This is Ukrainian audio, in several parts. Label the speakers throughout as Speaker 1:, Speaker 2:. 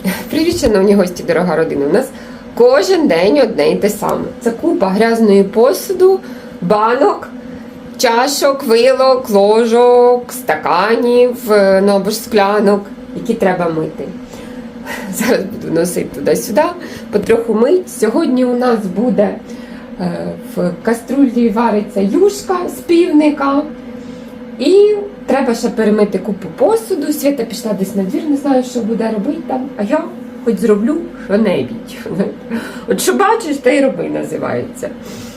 Speaker 1: Привіт, шановні гості, дорога родина. У нас кожен день одне й те саме. Це купа грязної посуду, банок, чашок, вилок, ложок, стаканів, ну або ж склянок, які треба мити. Зараз буду носити туди-сюди, потроху мить. Сьогодні у нас буде в каструлі вариться юшка з півника. І треба ще перемити купу посуду. Свята пішла десь на двір, не знаю, що буде робити там. А я хоч зроблю що-небудь. От що бачиш, те й роби, називається.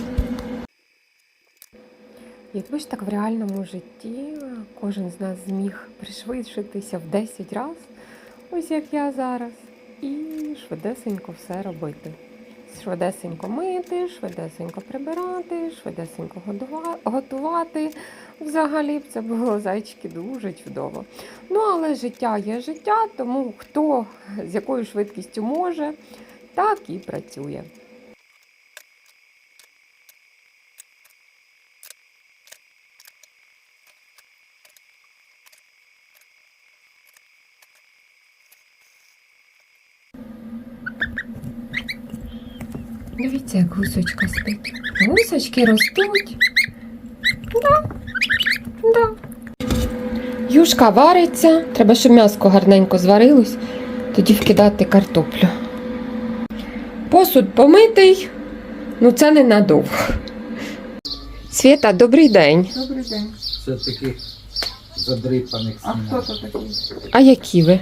Speaker 1: Якби ж так в реальному житті кожен з нас зміг пришвидшитися в 10 разів, ось як я зараз, і швидесенько все робити. Швидесенько мити, швидесенько прибирати, швидесенько готувати. Взагалі б це було, зайчики, дуже чудово. Ну, але життя є життя, тому хто з якою швидкістю може, так і працює. Дивіться, як гусочка спить. Гусочки ростуть. Да. Юшка вариться. Треба, щоб м'яско гарненько зварилось. Тоді вкидати картоплю. Посуд помитий. Ну це ненадовго. Свята, добрий день.
Speaker 2: Добрий день.
Speaker 3: Це таких задрипаних
Speaker 2: А
Speaker 3: сімей.
Speaker 2: хто то такий?
Speaker 1: А які ви?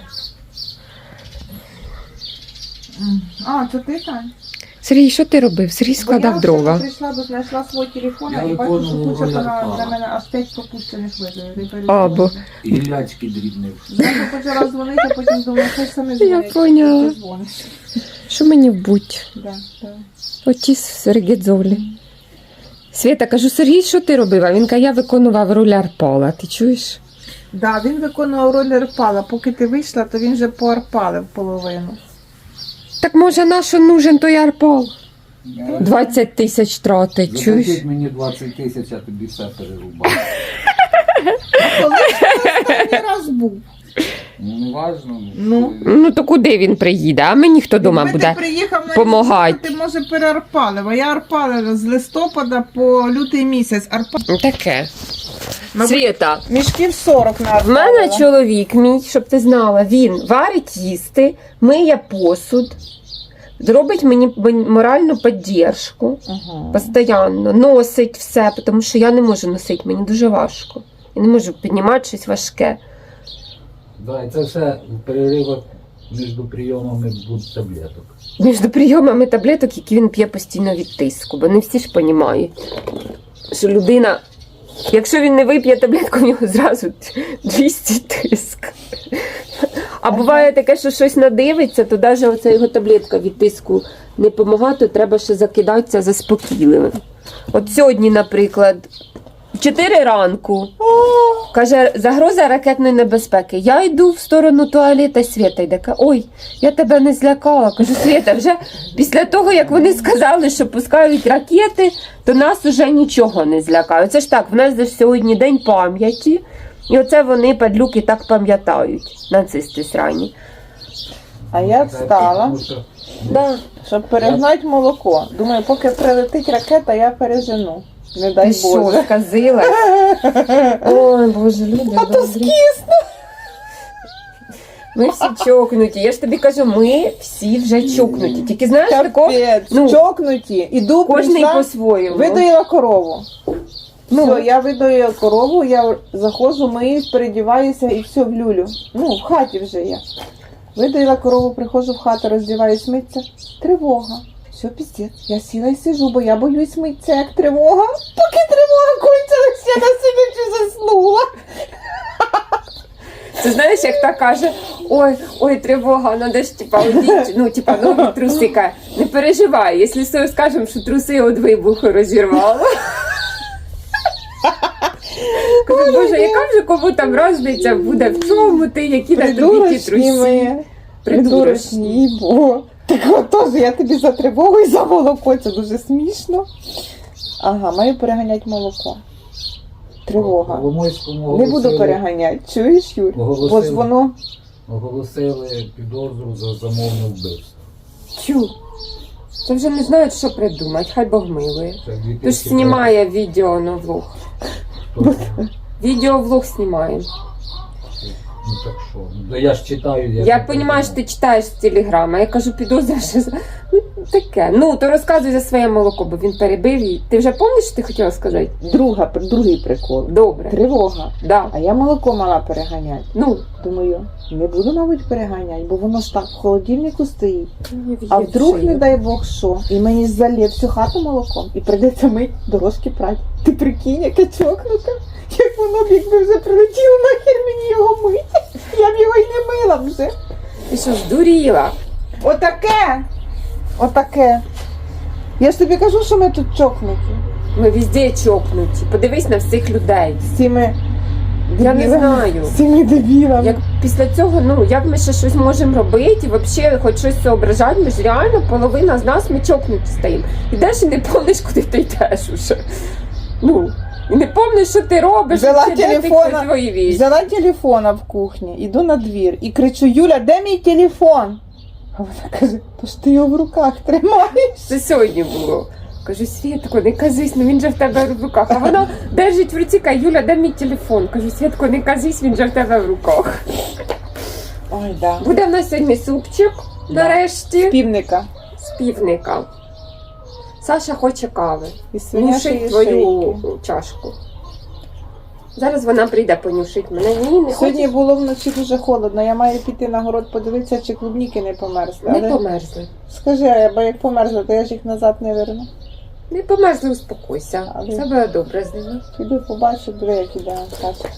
Speaker 2: А, це ти, Тань?
Speaker 1: Сергій, що ти робив? Сергій складав дрова.
Speaker 2: Я прийшла, бо знайшла свій телефон,
Speaker 3: Я
Speaker 2: і бачу, що
Speaker 3: виконував
Speaker 2: куча
Speaker 3: роль
Speaker 2: на
Speaker 3: Павла.
Speaker 2: мене аж 5 пропущених видів.
Speaker 1: Або.
Speaker 3: Гілячки дрібнив.
Speaker 2: Я почала дзвонити, а потім думала, хай саме
Speaker 1: Я
Speaker 2: дзвонить.
Speaker 1: поняла.
Speaker 2: Ти дзвониш.
Speaker 1: Що мені вбуть?
Speaker 2: Да.
Speaker 1: Оті Сергідзолі. Свята, кажу, Сергій, що ти робив? А він каже, я виконував роль Арпала. Ти чуєш?
Speaker 2: Да, він виконував роль Арпала. Поки ти вийшла, то він вже поарпалив половину.
Speaker 1: Так може нащо нужен той Арпал? 20 тисяч тратить, чуєш?
Speaker 3: Заплатіть мені 20 тисяч, я тобі все перерубав.
Speaker 2: Коли ж ти останній раз був?
Speaker 3: Ну, не важно.
Speaker 1: Ну то куди він приїде? А мені хто дома
Speaker 2: Якби
Speaker 1: буде
Speaker 2: ти приїхав на
Speaker 1: помагати?
Speaker 2: відпустку, ти, може, переарпалив. А я арпалила з листопада по лютий місяць.
Speaker 1: Таке.
Speaker 2: Мабуть,
Speaker 1: Свята,
Speaker 2: мішків 40
Speaker 1: в
Speaker 2: наарпалила.
Speaker 1: мене чоловік мій, щоб ти знала, він варить їсти, миє посуд, зробить мені моральну підтримку,
Speaker 2: Ага.
Speaker 1: постійно, носить все, тому що я не можу носити, мені дуже важко. Я не можу піднімати щось важке.
Speaker 3: Да, і це все в переривах між прийомами будуть таблеток.
Speaker 1: Між прийомами таблеток, які він п'є постійно від тиску, бо не всі ж розуміють, що людина, якщо він не вип'є таблетку, в нього зразу 200 тиск. А буває таке, що щось надивиться, то навіть оця його таблетка від тиску не допомагає, то треба ще закидатися заспокійливим. От сьогодні, наприклад, 4 ранку, каже, загроза ракетної небезпеки. Я йду в сторону туалета, Свята йде, каже, ой, я тебе не злякала. Кажу, Свята, вже після того, як вони сказали, що пускають ракети, то нас вже нічого не злякає. Це ж так, в нас же сьогодні день пам'яті, і оце вони, падлюки, так пам'ятають, нацисти срані.
Speaker 2: А я встала,
Speaker 3: Тому що
Speaker 1: Да.
Speaker 2: щоб перегнати молоко. Думаю, поки прилетить ракета, я пережену. Не дай
Speaker 1: Ти що,
Speaker 2: Боже.
Speaker 1: сказила? Ой, Боже, люди
Speaker 2: А то
Speaker 1: добрі.
Speaker 2: скисне.
Speaker 1: Ми всі чокнуті. Я ж тобі кажу, ми всі вже чокнуті. Тільки знаєш, такого,
Speaker 2: Капець,
Speaker 1: ну,
Speaker 2: чокнуті. Іду,
Speaker 1: кожний
Speaker 2: прийшла,
Speaker 1: по-своєму.
Speaker 2: видоїла корову.
Speaker 1: Ну.
Speaker 2: Все, я видоїла корову, я заходжу, миюсь, передіваюся і все в люлю. Ну, в хаті вже я. Видоїла корову, приходжу в хату, роздіваюсь, митися. Тривога. Все, піздець. Я сіла і сижу, бо я боюсь митися, як тривога. Поки тривога кончилась, я на сидячи заснула.
Speaker 1: Це знаєш, як та каже, ой, тривога, надо ж, типа, одіть, ну, типа, нові труси. Каже, не переживай, якщо скажемо, що труси від вибуху розірвало. Кажу, Боже, яка вже кому там розниця буде, в чому ти, які на тобі ті
Speaker 2: Придурочні
Speaker 1: труси?
Speaker 2: ми. Придурочні, бо. Так отож, я тобі за тривогу і за молоко, це дуже смішно. Ага, маю переганяти молоко. Тривога.
Speaker 3: Коломойському
Speaker 2: Не буду
Speaker 3: оголосили-
Speaker 2: переганяти, чуєш, Юр? Бо ж
Speaker 3: Оголосили.
Speaker 2: воно
Speaker 3: оголосили підозру за замовне вбивство.
Speaker 1: Тю. Це вже не знають, що придумати, хай Бог милує.
Speaker 3: Це
Speaker 1: Тож
Speaker 3: 2003.
Speaker 1: знімає відео на влог. Відеовлог знімає.
Speaker 3: Ну так що? Ну, я ж читаю.
Speaker 1: Я розумію, що ти читаєш з телеграма. Я кажу, підозра, що ну, таке. Ну, то розказуй за своє молоко, бо він перебив її. Ти вже пам'ятаєш, що ти хотіла сказати?
Speaker 2: Другий прикол.
Speaker 1: Добре.
Speaker 2: Тривога.
Speaker 1: Да.
Speaker 2: А я молоко мала переганяти.
Speaker 1: Ну,
Speaker 2: Думаю, не буду, мабуть, переганяти, бо воно ж так в холодильнику стоїть.
Speaker 1: мені
Speaker 2: А
Speaker 1: в'їть
Speaker 2: вдруг,
Speaker 1: шию.
Speaker 2: не дай Бог, що, і мені залє всю хату молоком, і прийдеться мить дорожки прати. Ти прикинь, яке чокнуте. Як воно б, якби вже прилетіло, нахер мені його мити. Я б його й не мила вже.
Speaker 1: Ти що, здуріла?
Speaker 2: Отаке. Отаке. Я ж тобі кажу, що ми тут чокнуті.
Speaker 1: Ми везде чокнуті. Подивись на всіх людей.
Speaker 2: З цими
Speaker 1: Я не
Speaker 2: дебілами.
Speaker 1: знаю.
Speaker 2: З цими дебілами.
Speaker 1: Як після цього, ну, як ми ще щось можемо робити, і взагалі хоч щось соображати, ми ж реально половина з нас ми чокнуті стоїмо. Ідеш і не помниш, куди ти йдеш уже. Ну, і не помниш, що ти робиш,
Speaker 2: Взяла
Speaker 1: вообще, де ти
Speaker 2: телефона,
Speaker 1: твої вещи.
Speaker 2: Взяла телефона в кухні, іду на двір і кричу: Юля, де мій телефон? А вона каже, то ж ти його в руках тримаєш.
Speaker 1: Це сьогодні було. Кажу, Світко, не казись, ну він же в тебе в руках. А вона держить в руці, каже, Юля, де мій телефон? Кажу, Світко, не казись, він же в тебе в руках.
Speaker 2: Ой, да.
Speaker 1: Буде в нас сьогодні супчик,
Speaker 2: Да.
Speaker 1: нарешті,
Speaker 2: Півника.
Speaker 1: з півника. Саша хоче кави.
Speaker 2: І свинячої
Speaker 1: Нюшить твою
Speaker 2: шийки.
Speaker 1: чашку. Зараз вона прийде понюшить мене. Ні, не
Speaker 2: Сьогодні
Speaker 1: хочеш?
Speaker 2: було вночі дуже холодно. Я маю піти на город подивитися, чи клубніки не померзли.
Speaker 1: Не
Speaker 2: Але
Speaker 1: померзли.
Speaker 2: скажи, бо як померзли, то я ж їх назад не верну.
Speaker 1: Не померзли, успокойся.
Speaker 2: Але-
Speaker 1: Все буде добре з ними.
Speaker 2: Піду побачу, диви, як іде Наташка.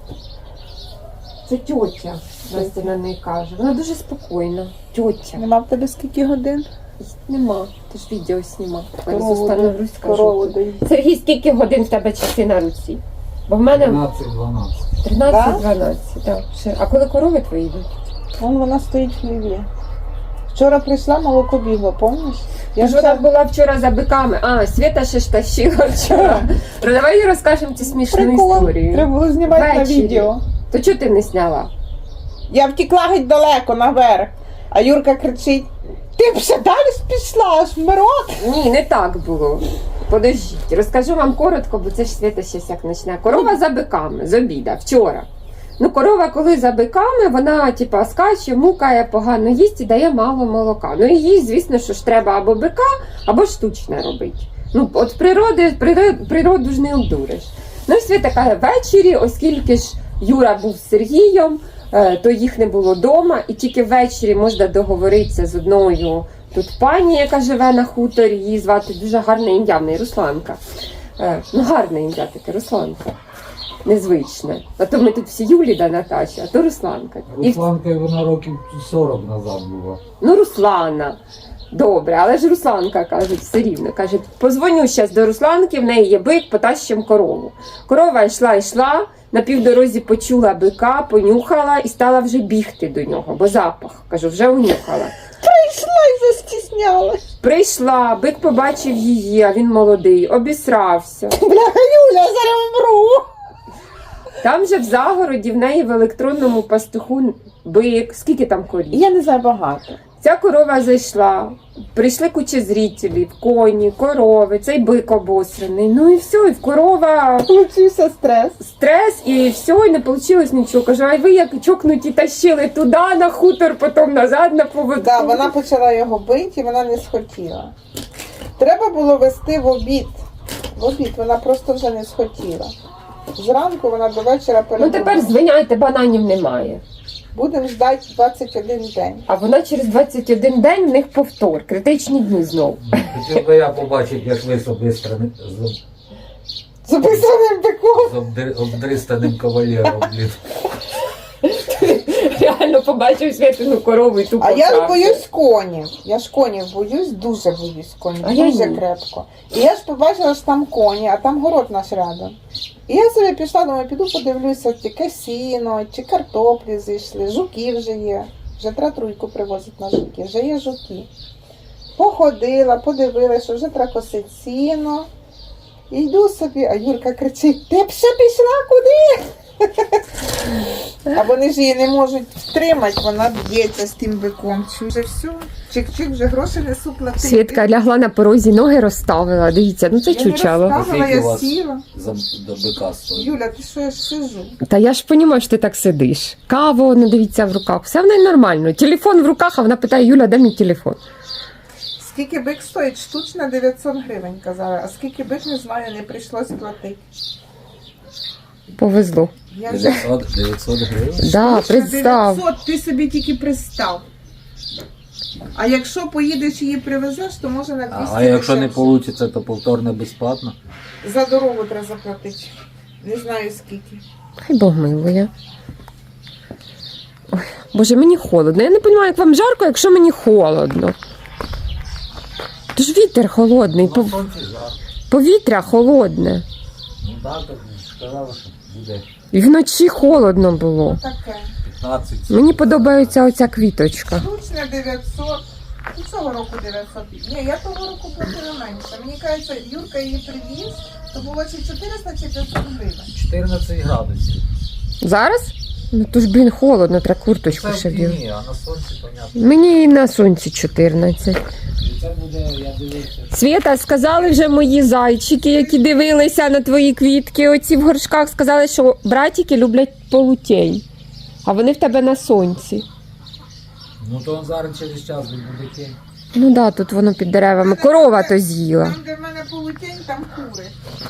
Speaker 1: Це тьотя, Настя на неї каже. Вона дуже спокійна. Тьотя.
Speaker 2: Нема в тебе скільки годин?
Speaker 1: Нема, ти ж відео знімав.
Speaker 2: Корову
Speaker 1: Становлюсь,
Speaker 2: Корову
Speaker 1: кажу.
Speaker 2: доїть.
Speaker 1: Сергій, скільки годин в тебе часи на руці? Бо в мене
Speaker 3: 13-12.
Speaker 1: 13-12. Так. А коли корови твої йдуть?
Speaker 2: Вон вона стоїть в хліві. Вчора прийшла, молоко бігло, помниш?
Speaker 1: Я ж вона була вчора за биками. А, Свята ще ж тащила вчора. Ну, давай їй розкажемо цю смішну
Speaker 2: Прикол.
Speaker 1: історію.
Speaker 2: Треба було знімати
Speaker 1: Ввечері.
Speaker 2: на відео.
Speaker 1: То чого ти не зняла?
Speaker 2: Я втекла геть далеко, наверх. А Юрка кричить: ти б ще далі ж пішла, аж вмирот.
Speaker 1: Ні, не так було. Подождіть, розкажу вам коротко, бо це ж Свята щось як почне. Корова за биками, з обіда, вчора. Ну, корова, коли за биками, вона, типа, скаче, мукає, погано їсть і дає мало молока. Ну, і їй, звісно, що ж треба або бика, або штучне робити. Ну, от природу ж не обдуриш. Ну, і Свята каже, ввечері, оскільки ж Юра був з Сергієм, то їх не було вдома, і тільки ввечері можна договоритися з одною тут пані, яка живе на хуторі, її звати дуже гарне ім'я, в неї Русланка. Ну, гарне ім'я таке, Русланка. Незвичне. А то ми тут всі Юлі да Наташі, а то Русланка. І
Speaker 3: Русланка, вона років 40 назад була.
Speaker 1: ну, Руслана. Добре, але ж Русланка, кажуть, все рівно. Кажуть, позвоню зараз до Русланки, в неї є бик, потащим корову. Корова йшла, на півдорозі почула бика, понюхала і стала вже бігти до нього, бо запах, кажу, вже унюхала.
Speaker 2: Прийшла і застіснялась.
Speaker 1: Прийшла, бик побачив її, а він молодий, обісрався.
Speaker 2: Бляха, Юля, я зараз вмру.
Speaker 1: Там же в загороді в неї в електронному пастуху бик, скільки там корів.
Speaker 2: Я не знаю багато.
Speaker 1: Ця корова зайшла, прийшли куча зрителів, коні, корови, цей бик обосраний. Ну і все, і в корова
Speaker 2: Получився стрес.
Speaker 1: стрес, і все, і не вийшло нічого. Кажу, а ви як чокнуті тащили туди на хутор, потім назад на поводку.
Speaker 2: Да, вона почала його бити, і вона не схотіла. Треба було вести в обід. В обід вона просто вже не схотіла. Зранку вона до вечора
Speaker 1: Ну тепер
Speaker 2: перебувала.
Speaker 1: звиняйте, бананів немає.
Speaker 2: Будемо ждати 21 день.
Speaker 1: А вона через 21 день в них повтор, критичні дні знов.
Speaker 3: Хотів би я побачити, як ви з
Speaker 2: Записаним биком.
Speaker 3: обдристаним кавалером, блін.
Speaker 1: Реально побачив Святину корову і тупо.
Speaker 2: А я ж
Speaker 1: втрався.
Speaker 2: боюсь конів. Я ж конів боюсь, дуже боюсь конів.
Speaker 1: А я
Speaker 2: Дуже
Speaker 1: ні.
Speaker 2: крепко. І я ж побачила, що там коні, а там город наш рядом. І я собі пішла, думаю, піду подивлюся, яке сіно, чи картоплі зійшли, жуки вже є. Вже треба труйку привозити на жуки, вже є жуки. Походила, подивилася, що вже треба косити сіно. І йду собі, а Юрка кричить: ти б ще пішла куди? А вони ж її не можуть втримати, вона б'ється з тим биком. Вже все, чик-чик, вже гроші несу платити.
Speaker 1: Свідка лягла на порозі, ноги розставила. Дивіться, ну це
Speaker 2: Я не
Speaker 1: чучело.
Speaker 2: розставила,
Speaker 3: Скільки у
Speaker 2: я
Speaker 3: вас?
Speaker 2: сіла.
Speaker 3: До бика стоїть.
Speaker 2: Юля, ти що, я ж сижу?
Speaker 1: Та я ж розумію, що ти так сидиш. Каву, ну дивіться, в руках. Все в неї нормально. Телефон в руках, а вона питає, Юля, де мій телефон?
Speaker 2: Скільки бик стоїть? Штучна 900 гривень, казали. А скільки бик, не знаю, не прийшлось платити.
Speaker 1: Повезло.
Speaker 2: Я вже...
Speaker 3: 900 гривень?
Speaker 1: Да,
Speaker 2: Штучна
Speaker 1: представ.
Speaker 2: 900, ти собі тільки представ. А якщо поїдеш і її привезеш, то може на 200
Speaker 3: А якщо не
Speaker 2: дешевше.
Speaker 3: вийде, то повторне безплатно?
Speaker 2: За дорогу треба заплатити. Не знаю скільки.
Speaker 1: Хай Бог милує. Ой, Боже, мені холодно. Я не розумію, як вам жарко, якщо мені холодно. Тож вітер холодний,
Speaker 3: На сонці жарко.
Speaker 1: повітря холодне.
Speaker 3: Ну так, так сказали, що буде
Speaker 1: І вночі холодно було.
Speaker 2: Таке.
Speaker 3: 15.
Speaker 1: Мені подобається оця квіточка.
Speaker 2: Штучна 900. І цього року 900. Ні, я того року платила менше. Мені кажеться, Юрка її привіз, то було чи 400, чи 500 гривень.
Speaker 3: 14 градусів.
Speaker 1: Зараз? Ну то ж, блін, холодно, треба курточку
Speaker 3: Це
Speaker 1: ще
Speaker 3: в
Speaker 1: вдягти.
Speaker 3: тіні, а на сонці, понятно.
Speaker 1: Мені і на сонці 14.
Speaker 3: І це буде, я дивився.
Speaker 1: Свєта, сказали вже мої зайчики, які дивилися на твої квітки, оці в горшках, сказали, що братики люблять полутень, а вони в тебе на сонці.
Speaker 3: Ну то зараз через час буде тінь.
Speaker 1: Ну да, тут воно під деревами. Корова то з'їла.
Speaker 2: Там, де в мене полутень, там кури.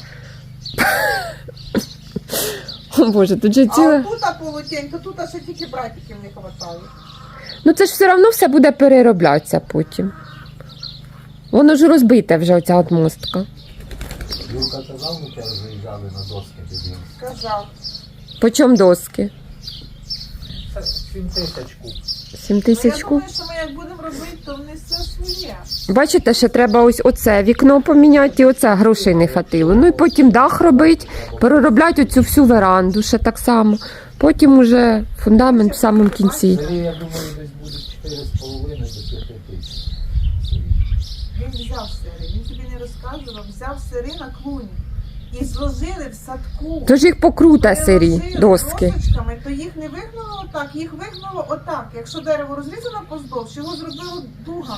Speaker 1: О Боже, тут же
Speaker 2: А
Speaker 1: ціле.
Speaker 2: отут полутень, то тут ще тільки братиків не хватає.
Speaker 1: Ну це ж все одно все буде перероблятися потім. Воно ж розбите вже оця от мостка.
Speaker 3: Юрка казав, ми тебе заїжджали на доски тоді.
Speaker 2: Сказав.
Speaker 1: По чому доски?
Speaker 3: Це 7 тисяч куб.
Speaker 1: 7 тисяч
Speaker 2: Я
Speaker 1: куб.
Speaker 2: думаю, що ми як будемо робити, то вони все своє.
Speaker 1: Бачите, ще треба ось оце вікно поміняти, і оце грошей не хватило. Ну і потім дах робити, переробляти оцю всю веранду ще так само. Потім уже фундамент в самому кінці.
Speaker 3: Сергій, я думаю, десь буде 4,5 до 5 тисяч.
Speaker 2: Він взяв сири, він тобі не розказував, взяв сири на клуні. І зложили в садку.
Speaker 1: Тож їх покрута сирі,
Speaker 2: Переложили
Speaker 1: доски.
Speaker 2: досочками, то їх не вигнуло отак, їх вигнуло отак. Якщо дерево розрізано поздовж, його зробило дугами.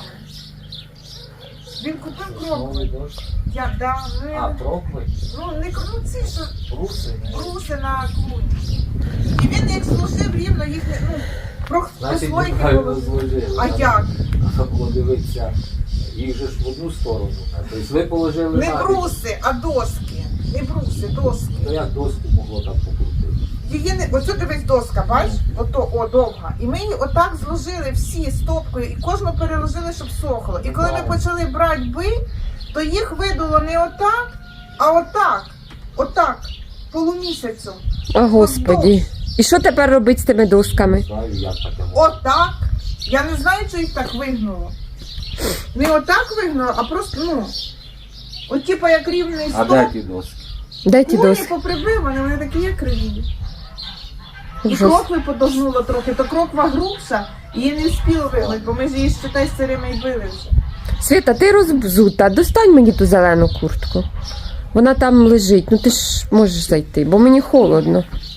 Speaker 2: Він купив
Speaker 3: Новий
Speaker 2: крокви.
Speaker 3: дощ.
Speaker 2: Я
Speaker 3: Крокви?
Speaker 2: не ну, ці що
Speaker 3: Бруси?
Speaker 2: бруси на клуні. І він їх зложив рівно, їх не
Speaker 3: Значить,
Speaker 2: прослойки
Speaker 3: неправильно
Speaker 2: було.
Speaker 3: зложили.
Speaker 2: А як?
Speaker 3: Треба було дивитися, їх же ж в одну сторону. Тобто ви положили
Speaker 2: Не
Speaker 3: на
Speaker 2: бруси, а доски. Не бруси, доски.
Speaker 3: То як доску могло так покрутити?
Speaker 2: Її не оцю дивись доска, бач? Ото о довга. І ми її отак зложили всі стопкою і кожну переложили, щоб сохло. І коли ми почали брати то їх видуло не отак, а отак. Отак. Полумісяцю.
Speaker 1: О, Господі. І що тепер робити з тими досками?
Speaker 3: Знаю, як таке може.
Speaker 2: Отак. Я не знаю, що їх так вигнуло. Не отак вигнуло, а просто, от типу як рівний
Speaker 3: А
Speaker 2: стоп.
Speaker 3: де ті доски?
Speaker 1: Де ті
Speaker 2: Клуні
Speaker 1: доски?
Speaker 2: поприбивані, вони такі є криві. І
Speaker 1: Ужас.
Speaker 2: крокви подогнуло трохи, то кроква грубша, її не встигли вигнати, бо ми ж її считай сирими й били вже.
Speaker 1: Світа, ти розбзута, достань мені ту зелену куртку. Вона там лежить, ну ти ж можеш зайти, бо мені холодно.